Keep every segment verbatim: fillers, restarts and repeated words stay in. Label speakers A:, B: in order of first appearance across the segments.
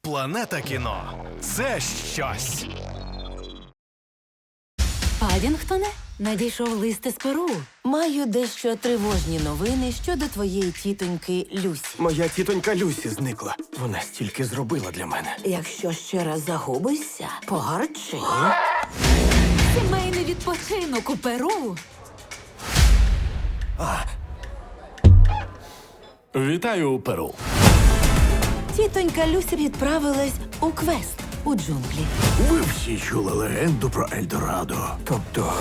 A: Планета кіно – це щось.
B: Падінгтоне, надійшов лист із Перу. Маю дещо тривожні новини щодо твоєї тітоньки Люсі.
C: Моя тітонька Люсі зникла. Вона стільки зробила для мене.
B: Якщо ще раз загубишся, погарчи. Сімейний відпочинок у Перу.
D: Вітаю у Перу.
B: Тітонька Люсі відправилась у квест у джунглі.
D: Ви всі чули легенду про Ельдорадо?
C: Тобто...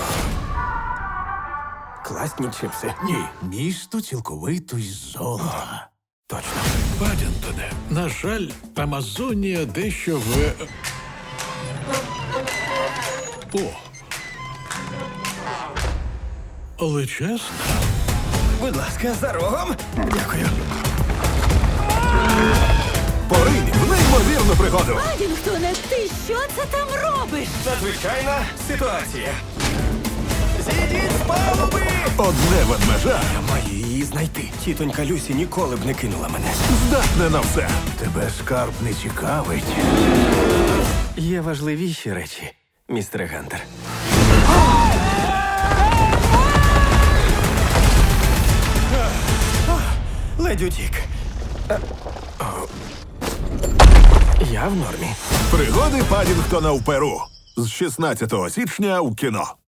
C: класні чипси.
D: Ні, місто цілковито із золота.
C: Точно.
D: Падінгтоне, на жаль, Амазонія дещо в... О. Але чесно,
C: Будь ласка, за рогом. Дякую.
D: поринь в неймовірну пригоду.
B: Падінгтоне, ти що це там робиш?
C: Надзвичайна ситуація. Зійдіть з палуби!
D: Одне ведмежа
C: Я маю її знайти. Тітонька Люсі ніколи б не кинула мене.
D: здатне на все. Тебе скарб не цікавить.
C: Є важливіші речі, містере Гантер. Ледь утік. Е, о. Я в нормі.
E: Пригоди Падінгтона в Перу з шістнадцятого січня у кіно.